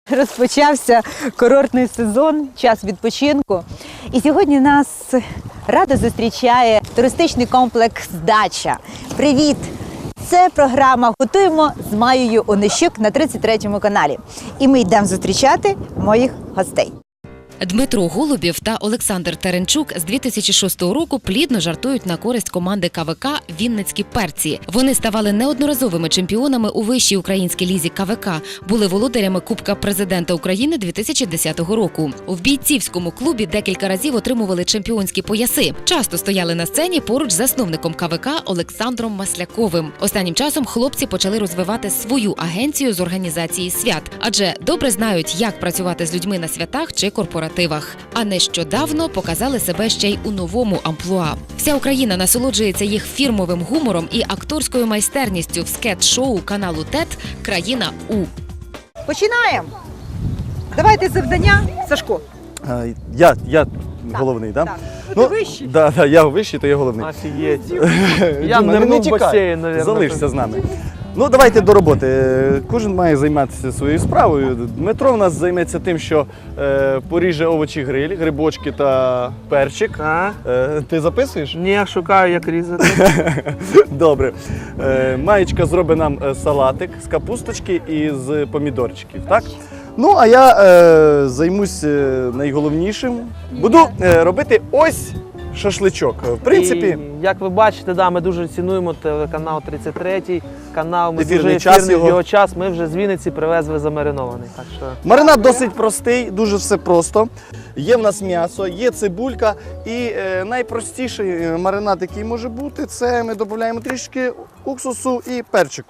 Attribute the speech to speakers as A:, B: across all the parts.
A: Розпочався курортний сезон, час відпочинку. І сьогодні нас радо зустрічає туристичний комплекс «Дача». Привіт! Це програма «Готуємо» з Маєю Онищук на 33-му каналі. І ми йдемо зустрічати моїх гостей.
B: Дмитро Голубів та Олександр Теренчук з 2006 року плідно жартують на користь команди КВК «Вінницькі перці». Вони ставали неодноразовими чемпіонами у вищій українській лізі КВК, були володарями Кубка президента України 2010 року. В бійцівському клубі декілька разів отримували чемпіонські пояси. Часто стояли на сцені поруч з засновником КВК Олександром Масляковим. Останнім часом хлопці почали розвивати свою агенцію з організації свят, адже добре знають, як працювати з людьми на святах чи корпоративах. А нещодавно показали себе ще й у новому амплуа. Вся Україна насолоджується їх фірмовим гумором і акторською майстерністю в скетч-шоу каналу ТЕТ «Країна У».
A: Починаємо! Давайте завдання, Сашко.
C: Я головний, так?
A: Так. Ти вищий.
C: Так, я вищий, то я головний.
D: Офігеть.
C: Діма,
D: Я нирнув в
C: тікай,
D: басейн, мабуть.
C: залишся з нами. Ну, давайте до роботи. Кожен має займатися своєю справою. Дмитро в нас займеться тим, що поріже овочі гриль, грибочки та перчик. Ти записуєш?
D: Ні, я шукаю, як різати.
C: Добре. Маєчка зробить нам салатик з капусточки і з помідорчиків, так? Ну, а я займусь найголовнішим. Буду робити ось шашличок. В принципі,
D: І, як ви бачите, да, ми дуже цінуємо телеканал 33 канал, ми
C: Ефірний
D: дуже
C: час
D: ефірний
C: його.
D: час. Ми вже з Вінниці привезли замаринований. Так що
C: маринад досить простий, дуже все просто. Є в нас м'ясо, є цибулька і найпростіший маринад, який може бути, це ми додаємо трішки уксусу і перчику.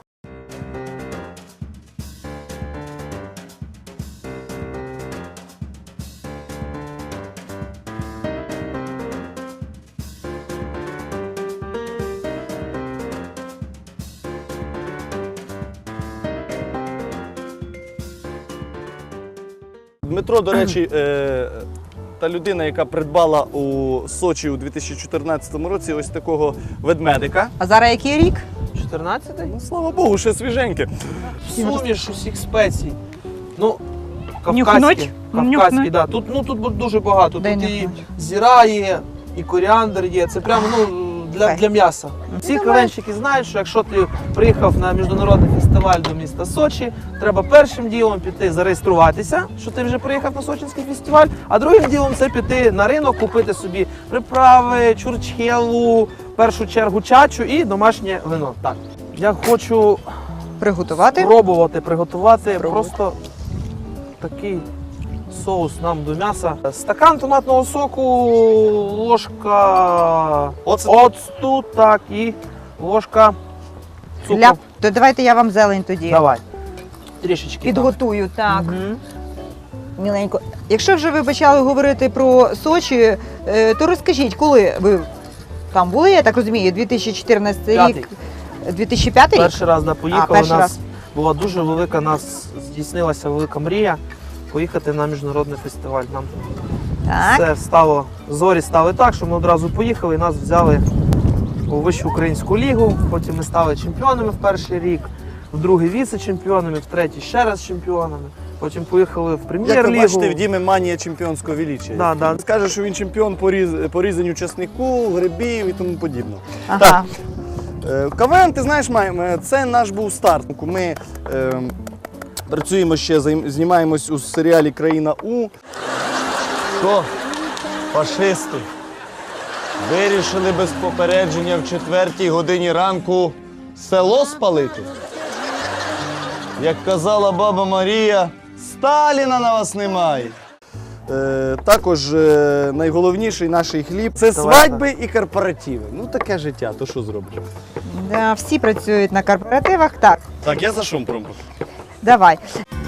C: Дмитро, до речі, та людина, яка придбала у Сочі у 2014 році ось такого ведмедика.
A: А зараз який рік?
D: 14-й?
C: Ну, слава Богу, ще свіженьке.
D: Суміш усіх спецій. Ну,
A: Нюхнуть?
D: кавказькі, да. Тут дуже багато.
A: Дай
D: Тут і
A: нюхнуть.
D: зіра є, і коріандр є. Це прямо для м'яса. Всі кавенщики знають, що якщо ти приїхав на міжнародний фестиваль до міста Сочі, треба першим ділом піти зареєструватися, що ти вже приїхав на Сочинський фестиваль, а другим ділом це піти на ринок, купити собі приправи, чурчхелу, в першу чергу чачу і домашнє вино. Так, я хочу
A: Приготувати.
D: спробувати приготувати просто такий соус нам до м'яса. Стакан томатного соку, ложка оцту, так, і ложка цукру.
A: То давайте я вам зелень тоді
D: Давай. Трішечки.
A: підготую. Так,
D: Мгм.
A: міленько. Якщо вже ви почали говорити про Сочі, то розкажіть, коли ви там були, я так розумію, 2014 рік? 2005 рік?
D: Перший раз поїхали,
A: перший
D: у нас
A: раз.
D: була дуже велика, нас здійснилася велика мрія поїхати на міжнародний фестиваль. Нам
A: Так.
D: все зорі стали так, що ми одразу поїхали і нас взяли у Вищу українську лігу. Потім ми стали чемпіонами в перший рік, в другий віце-чемпіонами, в третій ще раз чемпіонами. Потім поїхали в
C: Як ви
D: прем'єр-лігу.
C: бачите, в Дімі манія чемпіонського величия.
D: Да.
C: Скаже, що він чемпіон по різанню часнику, грибів і тому подібне.
A: Ага.
C: КВН, ти знаєш, це наш був старт. Ми працюємо ще, знімаємось у серіалі «Країна У».
E: Що, фашисти, вирішили без попередження в 4-й годині ранку село спалити? Як казала баба Марія, Сталіна на вас немає.
C: Також найголовніший наш хліб – це свадьби і корпоративи. Ну таке життя, то що зробиш?
A: Да, всі працюють на корпоративах. Так,
C: Так, я за шумпром.
A: давай.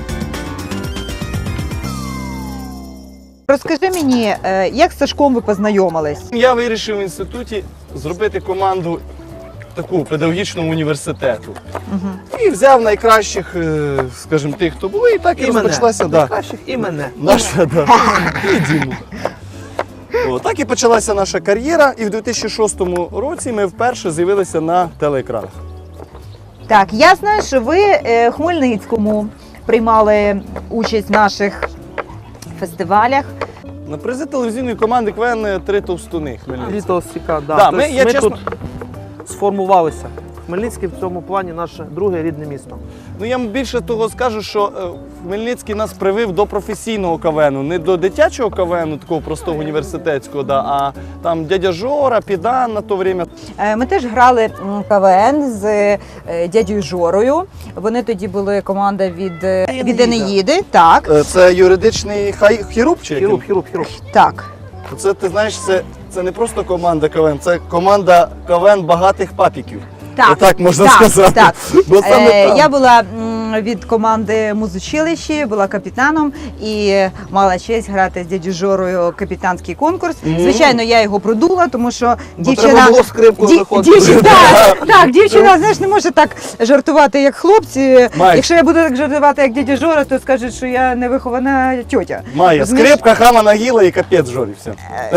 A: Розкажи мені, як з Сашком ви познайомились?
C: Я вирішив в інституті зробити команду таку педагогічного університету. І взяв найкращих, скажімо, тих, хто були, і так і розпочалася.
D: Найкращих і мене.
C: Наша, і Діму. Так і почалася наша кар'єра, і в 2006 році ми вперше з'явилися на телеекранах.
A: Так, я знаю, що ви Хмельницькому приймали участь в наших фестивалях.
C: На призи телевізійної команди КВН «Три товстуни» Хмельницький.
D: Літо Сіка, да.
C: Да,
D: Тобто
C: я
D: ми
C: чесно-
D: тут сформувалися. Хмельницький в цьому плані наше друге рідне місто.
C: Ну я вам більше того скажу, що Хмельницький нас привив до професійного КВНу, не до дитячого КВНу, такого простого університетського, да, а там дядя Жора, Підан на то время.
A: Ми теж грали КВН з дядю Жорою. Вони тоді були команда від
D: Енеїда.
A: Енеїди. Так,
C: Це юридичний хірург чи який?
D: Хірург.
A: так.
C: Це ти знаєш, це не просто команда КВН, це команда КВН багатих папіків.
A: Так,
C: Отак можна
A: так,
C: сказати.
A: Так.
C: Бо саме там.
A: Я була від команди музучилищі, була капітаном і мала честь грати з дядю Жорою капітанський конкурс. Звичайно, я його продула, тому що дівчина...
D: треба було скрипку виходити.
A: Дівчина, так, дівчина, знаєш, не може так жартувати, як хлопці.
C: Майк.
A: Якщо я буду так жартувати, як дядя Жора, то скажуть, що я невихована тьотя.
C: Має
A: Розумієш?
C: скрипка, хама нагіла і капець Жорі. Все.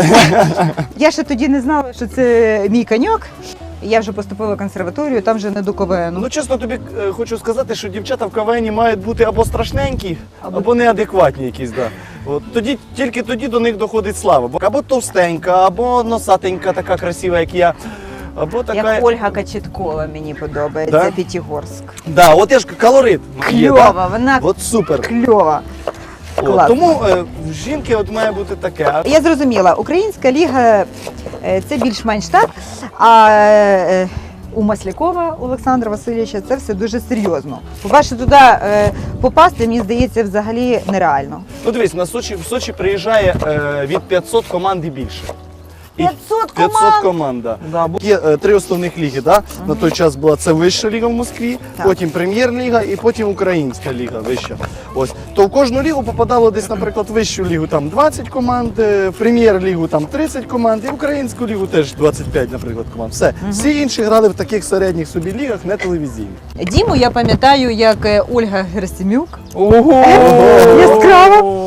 A: Я ще тоді не знала, що це мій коньок. Я вже поступила в консерваторію, там вже не до КВНу.
C: Ну чесно тобі хочу сказати, що дівчата в КВНі мають бути або страшненькі, або неадекватні якісь. Да. От, тільки тоді до них доходить слава. Або товстенька, або носатенька, така красива, як я. Або така.
A: Як Ольга Качеткова мені подобається,
C: Да?
A: П'ятигорськ.
C: Да, от я ж колорит. Є,
A: Кльова,
C: да?
A: вона
C: От супер.
A: кльова.
C: От,
A: Класно.
C: тому в жінки от має бути таке.
A: Я зрозуміла, Українська ліга це більш-менш так, а у Маслякова Олександра Васильовича це все дуже серйозно. По-перше, туди попасти, мені здається, взагалі нереально.
C: Ну дивись, в Сочі приїжджає від 500 команд і більше. І
A: 500
C: 500
A: команд?
C: команд, да.
D: Да,
C: Є три основних ліги. Да? На той час була це вища ліга в Москві,
A: Так.
C: потім прем'єр-ліга і потім українська ліга вища. Ось. То в кожну лігу попадало десь, наприклад, в вищу лігу там 20 команд, в прем'єр-лігу там 30 команд, і в українську лігу теж 25, наприклад, команд. Все. Всі інші грали в таких середніх собі лігах, не телевізійних.
A: Діму я пам'ятаю, як Ольга Герасимюк.
D: Ого!
A: Яскраво.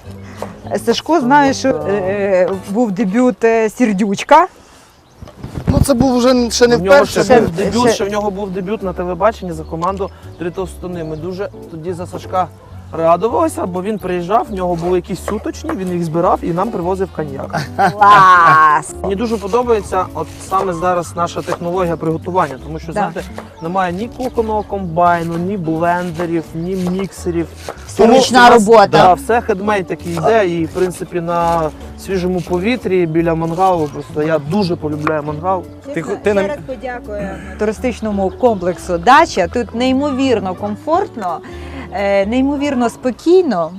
A: Сашко знає, що був дебют Сердючка.
C: Ну це був вже ще не
D: В нього
C: вперше.
D: ще
A: Ще-
D: був дебют,
A: ще-
D: ще в нього був дебют на телебаченні за команду «Три товстуни». Ми дуже тоді за Сашка радувалися, бо він приїжджав, в нього були якісь суточні, він їх збирав і нам привозив коньяк.
A: Клас!
D: Мені дуже подобається от саме зараз наша технологія приготування, тому що,
A: Да.
D: знаєте, немає ні кухонного комбайну, ні блендерів, ні міксерів.
A: Це ручна
D: у нас,
A: робота.
D: Да, все хедмейд такий йде, і в принципі на свіжому повітрі біля мангалу. Просто я дуже полюбляю мангал.
C: Ти нам-
A: подякую туристичному комплексу «Дача». Тут неймовірно комфортно, неймовірно спокійно.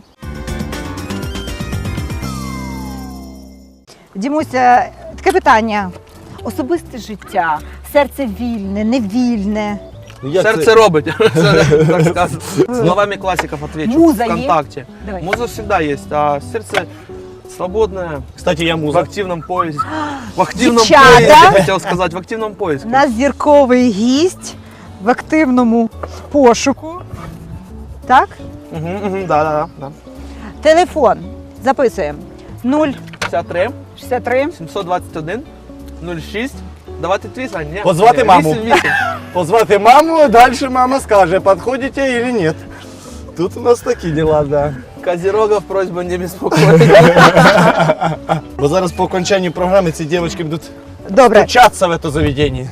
A: Дімуся, таке питання. Особисте життя, серце вільне, невільне.
C: Ну, як
D: Серце
C: це?
D: робить, це, так сказати. Словами классиков отвечу.
A: Муза есть?
D: ВКонтакте.
A: Давай.
D: Муза всегда есть, а сердце свободное,
C: Кстати, я
D: в
C: муза.
D: активном поиске. В активном
A: Девчата!
D: поиске, хотел сказать, в активном поиске.
A: У нас зірковий гість в активному пошуку. Так?
D: Да.
A: Телефон. Записуємо.
D: 53,
A: 063
D: 721, 06. Давайте твій, Сань, ні?
C: Позвати
D: Ні,
C: маму.
D: 88.
C: Позвати маму, далі мама скаже, підходите или нет. Тут у нас такі діла, да.
D: Козерогов просьба не беспокоить.
C: Бо зараз по окончанні програми ці дівчатки будуть
A: Добре.
C: вчатися в це заведення.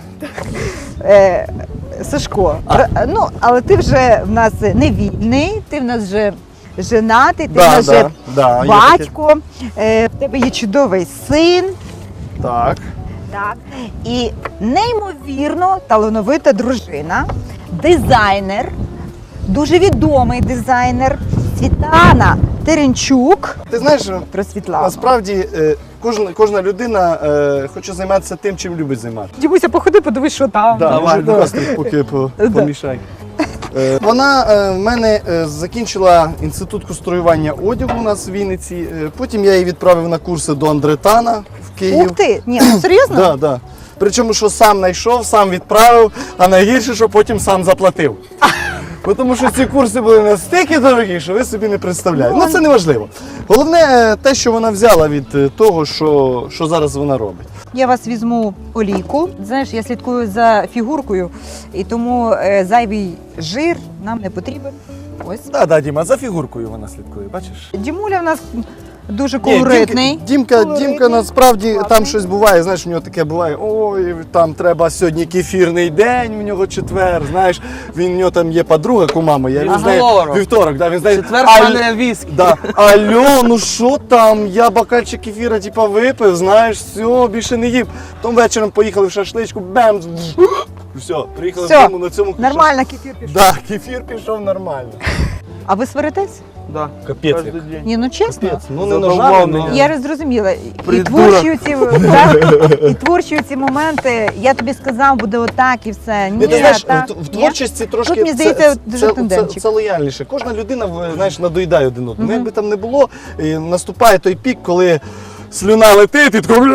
A: Сашко, ну, але ти вже в нас не вільний, ти в нас вже женатий, ти в нас вже
C: да, є таке.
A: батько, в тебе є чудовий син.
C: Так.
A: Так. І неймовірно талановита дружина, дизайнер, дуже відомий дизайнер Світлана Теренчук.
C: Ти знаєш,
A: Про Світлану.
C: насправді кожна людина хоче займатися тим, чим любить займатися.
A: Дімуся, походи, подивись, що там.
C: Да,
D: Давай,
C: може,
D: давай.
C: просто поки помішай. Вона в мене закінчила інститут конструювання одягу у нас в Вінниці. Потім я її відправив на курси до Андретана в Київ.
A: Ух ти! Ні, ну серйозно?
C: Да, да. Причому, що сам знайшов, сам відправив, а найгірше, що потім сам заплатив. Бо тому що ці курси були настільки дорогі, що ви собі не представляєте. Ну це не важливо. Головне те, що вона взяла від того, що зараз вона робить.
A: Я вас візьму олійку. Знаєш, я слідкую за фігуркою, і тому зайвий жир нам не потрібен. Ось.
C: Да, Діма, за фігуркою вона слідкує, бачиш?
A: Дімуля в нас дуже
C: Ні,
A: колоритний.
C: Дімка насправді там щось буває, знаєш, у нього таке буває, ой, там треба сьогодні кефірний день, у нього четвер, знаєш, у нього там є подруга, кума моя, він знає, вівторок, да, він знає,
D: Четвер пане віскі.
C: да, алло, ну що там, я бокальчик кефіра, типа, випив, знаєш, все, більше не їв. Потім вечором поїхали в шашличку, бем, все, приїхали
A: Все,
C: додому на цьому.
A: Нормально кефір пішов.
C: Да, кефір пішов нормально.
A: А ви сваритесь?
D: Да.
C: Капець
D: Кожен
C: як.
D: день.
A: Ні, ну чесно.
C: Капець, ну не
D: Задоволений.
C: ножами, но...
A: Я зрозуміла. І
D: Придурок.
A: творчі ці, так, і творчі ці моменти, я тобі сказав, буде отак і все. Ні,
C: Ти знаєш,
A: так.
C: в творчості трошки
A: Тут, мені здається, дуже тенденчик.
C: це лояльніше. Кожна людина, знаєш, надоїдає один одному. Якби там не було, і наступає той пік, коли слюна летить, і такий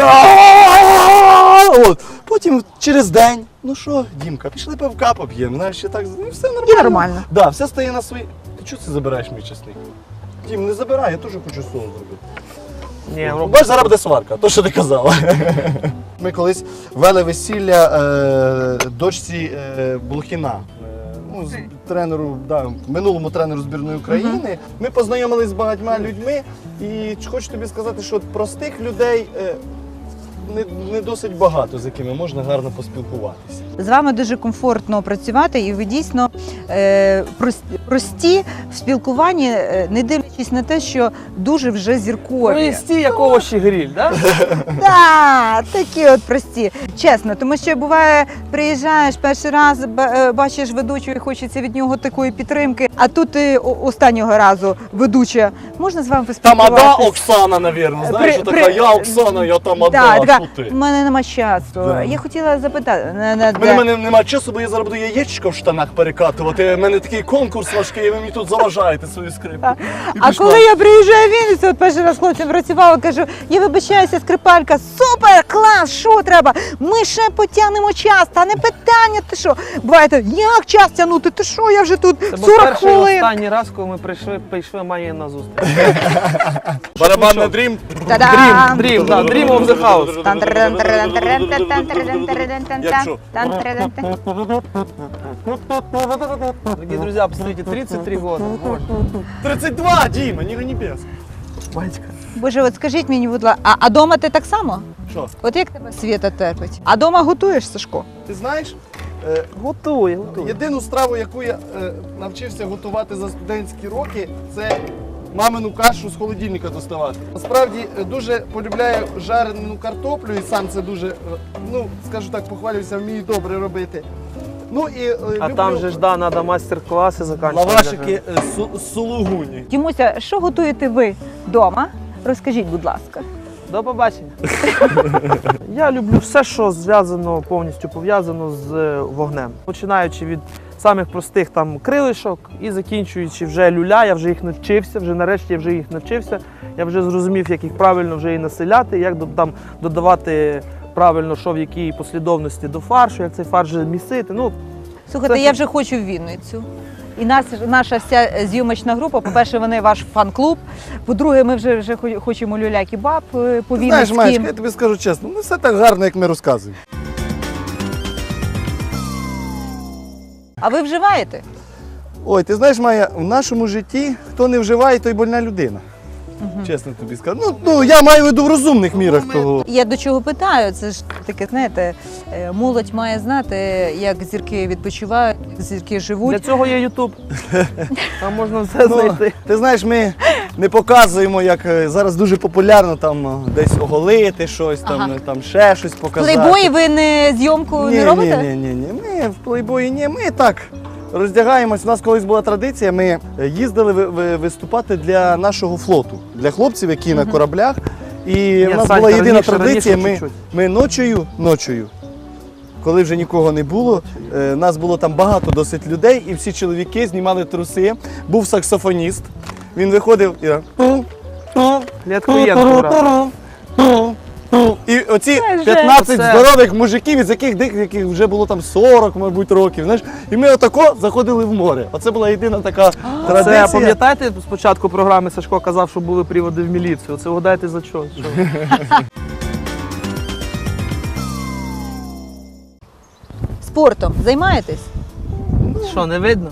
C: от. Потім через день, ну що, Дімка, пішли пивка поп'ємо, знаєш, ще так, ну все нормально.
A: І нормально.
C: Да, все стає на свої. Ти чого це забираєш мій чесник? Дім, не забирай, я теж хочу соус зробити.
D: Ні,
C: Бач, зараз буде сварка, то, що ти казала. Ми колись вели весілля дочці Блохіна. Ну, з тренеру, да, минулому тренеру збірної України. Ми познайомилися з багатьма людьми, і хочу тобі сказати, що простих людей не досить багато, з якими можна гарно поспілкуватися.
A: З вами дуже комфортно працювати, і ви дійсно прості в спілкуванні, не дивлячись на те, що дуже вже зіркові.
D: Прості, як овочі гриль, да?
A: Так, такі от прості. Чесно, тому що буває, приїжджаєш перший раз, бачиш ведучого і хочеться від нього такої підтримки, а тут ти останнього разу ведуча. Можна з вами поспілкуватися?
C: Тамада Оксана, навірно, знаєш,
A: При-
C: така, я Оксана, я Тамада,
A: Так,
C: а
A: така,
C: що ти?
A: в мене нема часу.
C: Да.
A: Я хотіла запитати.
C: У мене немає часу, бо я зараз буду яєчко в штанах перекатувати. У мене такий конкурс важкий, і ви мені тут заважаєте свою скрипку. І
A: А
C: пішла.
A: коли я приїжджаю в Вінницю, от перший раз з хлопцем працювала, кажу, я вибачаюся, скрипалька, супер, клас, що треба? Ми ще потягнемо час, та не питання, ти що? Буває, як час тягнути, ти що, я вже тут
D: Це був
A: 40
D: перший і
A: хвилин.
D: останній раз, коли ми прийшли Майї на зустріч.
C: Барабанний дрім.
A: Та-дам!
D: Dream, да, Dream of the House. Дорогие друзья, посмотрите, 33 года. Боже.
C: 32, Діма, не гони без.
D: Батька.
A: Боже, от скажіть мені, будь ласка, а дома ти так само?
C: Що,
A: От як тебе Світа терпить? А дома готуєш, Сашко?
C: ти знаєш,
D: Готує.
C: єдину страву, яку я навчився готувати за студентські роки, це мамину кашу з холодильника доставати. Насправді дуже полюбляю жарену картоплю і сам це дуже, ну, скажу так, похвалююся, вмію добре робити. Ну і
D: А
C: люблю
D: там же ж, да, надо мастер-класси заканчивать.
C: лавашики з сулугуні.
A: Дімуся, що готуєте ви вдома? Розкажіть, будь ласка.
D: До побачення. Я люблю все, що зв'язано, повністю пов'язано з вогнем. Починаючи від самих простих там крилишок і закінчуючи вже люля, я вже їх навчився, вже нарешті я вже їх навчився. Я вже зрозумів, як їх правильно вже і населяти, як там додавати правильно, що в якій послідовності до фаршу, як цей фарш вже місити. Ну,
A: Слухайте,
D: Це-
A: я вже хочу в Вінницю. І наша вся зйомочна група, по-перше, вони ваш фан-клуб. По-друге, ми вже хочемо люля-кебаб по
C: Знаєш, Маєчка,
A: Вінницьким.
C: я тобі скажу чесно, не все так гарно, як ми розказуємо.
A: А ви вживаєте?
C: Ой, ти знаєш, Майя, в нашому житті хто не вживає, той больна людина. Чесно тобі скажу. Ну, я маю в виду в розумних мірах того.
A: Я до чого питаю? Це ж таке, знаєте, молодь має знати, як зірки відпочивають, як зірки
D: для
A: живуть.
D: цього є Ютуб. Там можна все
C: Ну,
D: знайти.
C: ти знаєш, ми не показуємо, як зараз дуже популярно там десь оголити щось, там,
A: Ага.
C: там ще щось показати.
A: Плейбої ви не зйомку не робите?
C: Ні. Ми в плейбої ні, ми так роздягаємось. У нас колись була традиція, ми їздили виступати для нашого флоту, для хлопців, які на кораблях. І в нас
D: Санька,
C: була єдина
D: раніше,
C: традиція,
D: чуть-чуть.
C: ми ночою, коли вже нікого не було, нас було там багато досить людей, і всі чоловіки знімали труси. Був саксофоніст, він виходив і
D: Клітку брат.
C: і оці
A: Це же-
C: 15
D: Це-
C: здорових мужиків, із яких деяких вже було там 40, мабуть, років. Знаєш, і ми отако заходили в море. Оце була єдина така традиція.
D: Це пам'ятаєте, спочатку програми Сашко казав, що були приводи в міліцію. Це вгадайте за що?
A: Спортом займаєтесь?
C: Ну,
D: Що, не видно?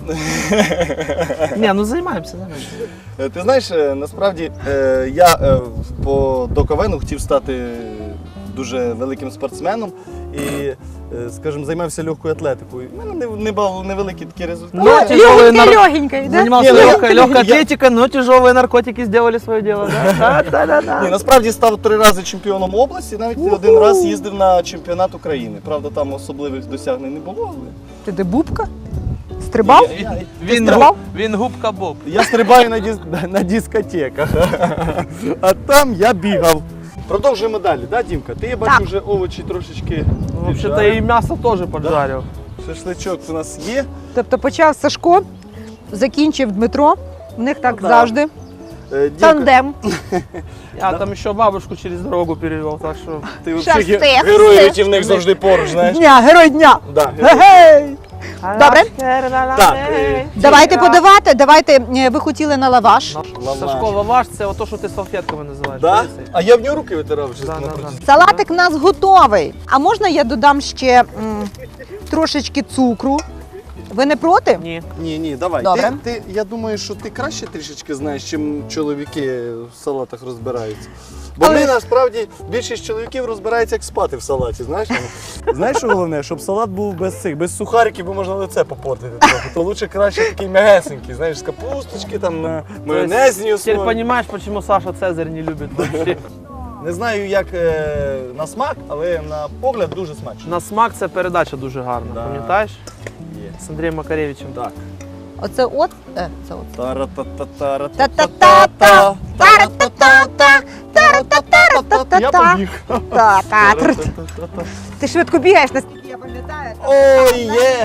D: Ні, ну займаємося.
C: Ти знаєш, насправді я до КВНу хотів стати дуже великим спортсменом і, скажімо, займався легкою атлетикою. У мене невеликі такі результати.
D: Ну, тяжелые
A: Легенький, да?
D: Занимался
C: Не, ну,
D: легкой
C: я-
D: атлетикой, но тяжелые наркотики сделали свое дело.
C: Ні, насправді став 3 рази чемпіоном області, навіть 1 раз їздив на чемпіонат України. Правда, там особливих досягнень не було, але
A: Ти де бубка? Стрибав?
D: Він губка Боб.
C: я стрибаю на дискотеках, а там я бігав. Продовжуємо далі, да, Дімка? Ти, я бачу,
A: Так.
C: вже овочі трошечки
D: Вообще-то
C: піджарив.
D: и мясо тоже поджарил.
C: Шашличок у нас є.
A: Тобто почав Сашко, закінчив Дмитро. У них так
C: Ну, да.
A: завжди.
C: Дімка,
A: Тандем.
D: Я там еще бабушку через дорогу перевел, так что...
C: ти
A: Щас
C: взагалі
A: ти,
C: герой
A: все.
C: рятівник завжди поруч, знаєш?
A: Дня, герой дня.
C: Да.
A: Гей! Добре.
C: Так,
A: Давайте подавати. Давайте, ви хотіли на лаваш.
C: Лаваш.
D: Сашко, лаваш це ото, що ти салфетками називаєш.
C: Да?
D: Дивися.
C: А я в нього руки витирав вже.
D: Да, да,
C: напроти.
D: да.
A: Салатик у нас готовий. А можна я додам ще трошечки цукру? Ви не проти?
D: Ні.
C: Ні, давай.
A: Добре.
C: Я думаю, що ти краще трішечки знаєш, чим чоловіки в салатах розбираються. Бо
A: Але-
C: ми насправді більшість чоловіків розбирається, як спати в салаті. Знаєш, знаєш, що головне, щоб салат був без сухариків, бо можна лице попортити трохи. То лучше краще такий м'ягесенький, знаєш, з капусточки, там на майонезні
D: Теперь
C: основі.
D: понимаешь, почему Саша Цезарь не любит вообще.
C: Не знаю, як на смак, але на погляд дуже смачно.
D: На смак це передача дуже гарна,
C: Да.
D: пам'ятаєш?
C: Є.
D: З Андрієм Макаревичем.
C: Так.
A: Оце от. Це от.
C: Та-ра-та-та-та-ра-та-та-та.
A: Та-та-та-та. Та-ра-та-та-та. Та-ра-та-та-та-та.
C: Я побіг.
A: Та-та. Ти швидко бігаєш, наскільки я пам'ятаю.
C: Ой,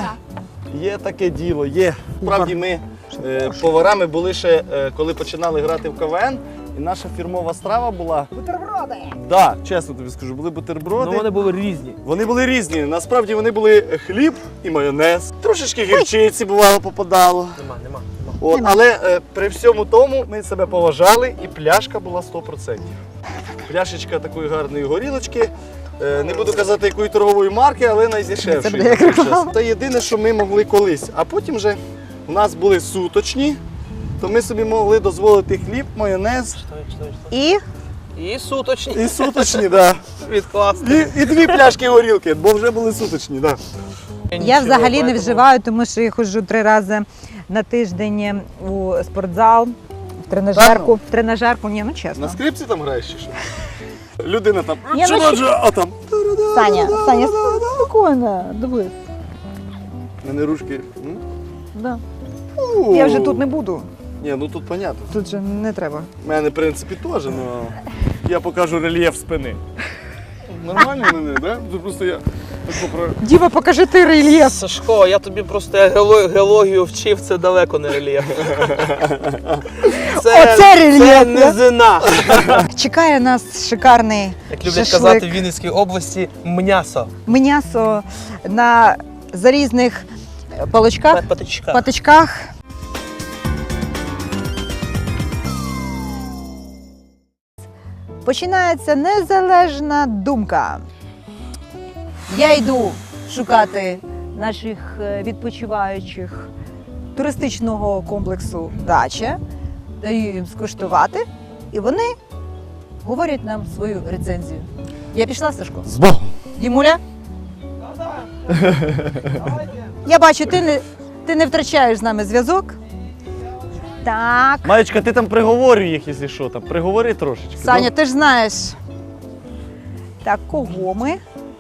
C: є таке діло, є. Справді ми поварами були ще, коли починали грати в КВН, і наша фірмова страва була.
A: Бутерброди.
C: Да, чесно тобі скажу, були бутерброди.
D: Ну вони були різні.
C: Вони були різні. Насправді вони були хліб і майонез. Трошечки гірчиці бувало попадало.
D: Нема.
C: От, але при всьому тому ми себе поважали, і пляшка була 100%. Пляшечка такої гарної горілочки. Не буду казати, якої торгової марки, але
A: Це
C: найдешевшої.
A: буде як реклама.
C: Це єдине, що ми могли колись. А потім вже у нас були суточні, то ми собі могли дозволити хліб, майонез
A: І
D: І суточні.
C: і суточні, да.
D: Відкласти.
C: І 2 пляшки горілки, бо вже були суточні. Да.
A: я взагалі не вживаю, тому що я ходжу 3 рази на тиждень у спортзал, в тренажерку. В тренажерку, ні, ну
C: На
A: чесно.
C: скрипці там граєш чи що? Людина там.
A: Ні, ну
C: а там.
A: Саня, спокійно, дивись.
C: У мене ручки.
A: Да. Я вже тут не буду,
C: Ні, ну тут понятно.
A: тут же не треба.
C: У мене, в принципі, теж, але я покажу рельєф спини. Нормально мене, да? Це просто я так поправлю.
A: Діва, покажи ти рельєф.
D: Сашко, я тобі просто геологію вчив, це далеко не рельєф.
A: Оце рельєф,
D: Це
A: да?
D: низина.
A: Чекає нас шикарний
D: Як люблять
A: шашлик.
D: казати в Вінницькій області, м'ясо.
A: М'ясо на зарізних паличках,
D: Патичка.
A: патичках. Починається незалежна думка. Я йду шукати наших відпочиваючих туристичного комплексу «Дача», даю їм скуштувати, і вони говорять нам свою рецензію. Я пішла, Сашко?
C: З Богом!
A: Дімуля? Я бачу, ти не втрачаєш з нами зв'язок. Так.
C: Маєчка, ти там приговорюй їх, якщо що, там приговори трошечки.
A: Саня, ти ж знаєш. Так, кого ми?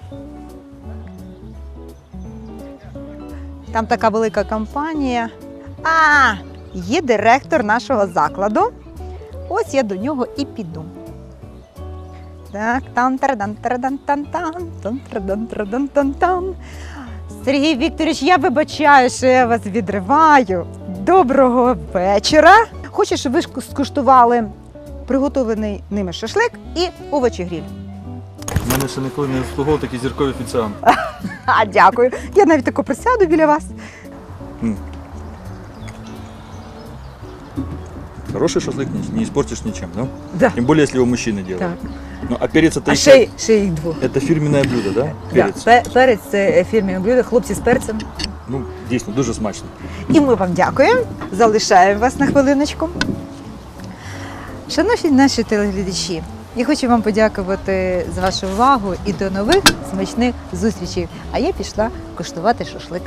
A: Там така велика компанія. А, є директор нашого закладу. Ось я до нього і піду. Так, там-тара-дан-тара-дан-тан-тан, Сергій Вікторович, я вибачаю, що я вас відриваю. Доброго вечора. Хочу, щоб ви скуштували приготований ними шашлик і овочі гриль.
F: У мене ще ніколи не обслуговував такі зіркові офіціанти.
A: А, дякую. Я навіть тако присяду біля вас.
F: Хороший шашлык не испортишь ничем, да?
A: Да.
F: Тем более, если его мужчины делают.
A: Так.
F: Ну, а перец это
A: А
F: их-
A: ще їх двох.
F: это фирменное блюдо, да?
A: Да.
F: Перец.
A: Перець це фірмове блюдо, хлопці з перцем.
F: Ну, дійсно, дуже смачно.
A: І ми вам дякуємо. Залишаємо вас на хвилиночку. Шановні наші телеглядачі, я хочу вам подякувати за вашу увагу і до нових смачних зустрічей. А я пішла куштувати шашлик.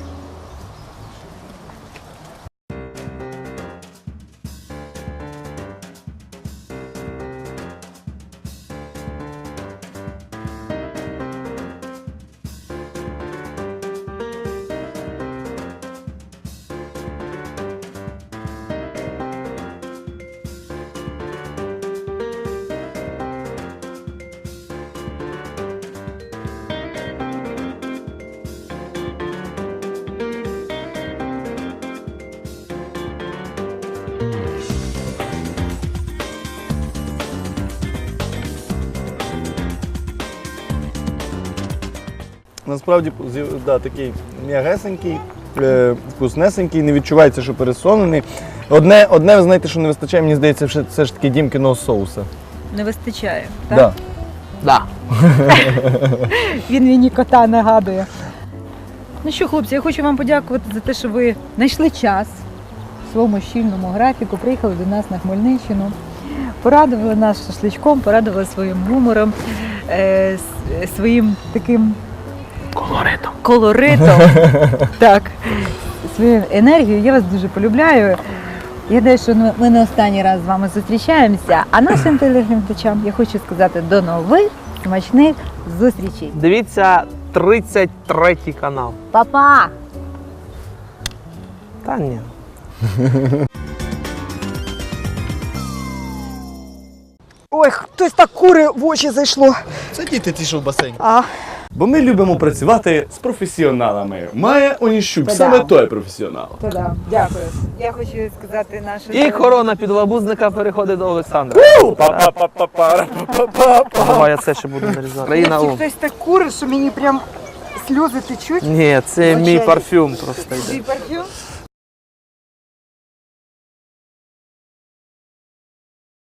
C: Насправді такий м'ягесенький, вкуснесенький, не відчувається, що пересолений. Одне, ви знаєте, що не вистачає, мені здається, все ж таки дімкиного соуса.
A: Не вистачає,
C: Да.
D: Да.
A: Він мені кота нагадує. Ну що, хлопці, я хочу вам подякувати за те, що ви знайшли час в своєму щільному графіку, приїхали до нас на Хмельниччину, порадували нас шашличком, порадували своїм гумором, своїм таким колоритом. Так, своєю енергією. Я вас дуже полюбляю. Я думаю, що ми не останній раз з вами зустрічаємося. А нашим телеглядачам я хочу сказати до нових смачних зустрічей.
D: Дивіться 33-й канал.
A: Па-па!
D: Та ні.
A: Ой, хтось так кури в очі зайшло.
C: Це діти ті, що в басейні.
A: А,
C: Бо ми любимо працювати з професіоналами. Має Оніщук,
A: Та-да.
C: саме той професіонал.
A: та-да, дякую. Я хочу сказати нашим...
D: І корона підлабузника переходить до Олександра. Давай я це ще буду нарізати. Країна Ом.
A: Хтось так кури, що мені прям сльози течуть.
D: Ні, це мій парфюм просто йде.
A: Твій парфюм?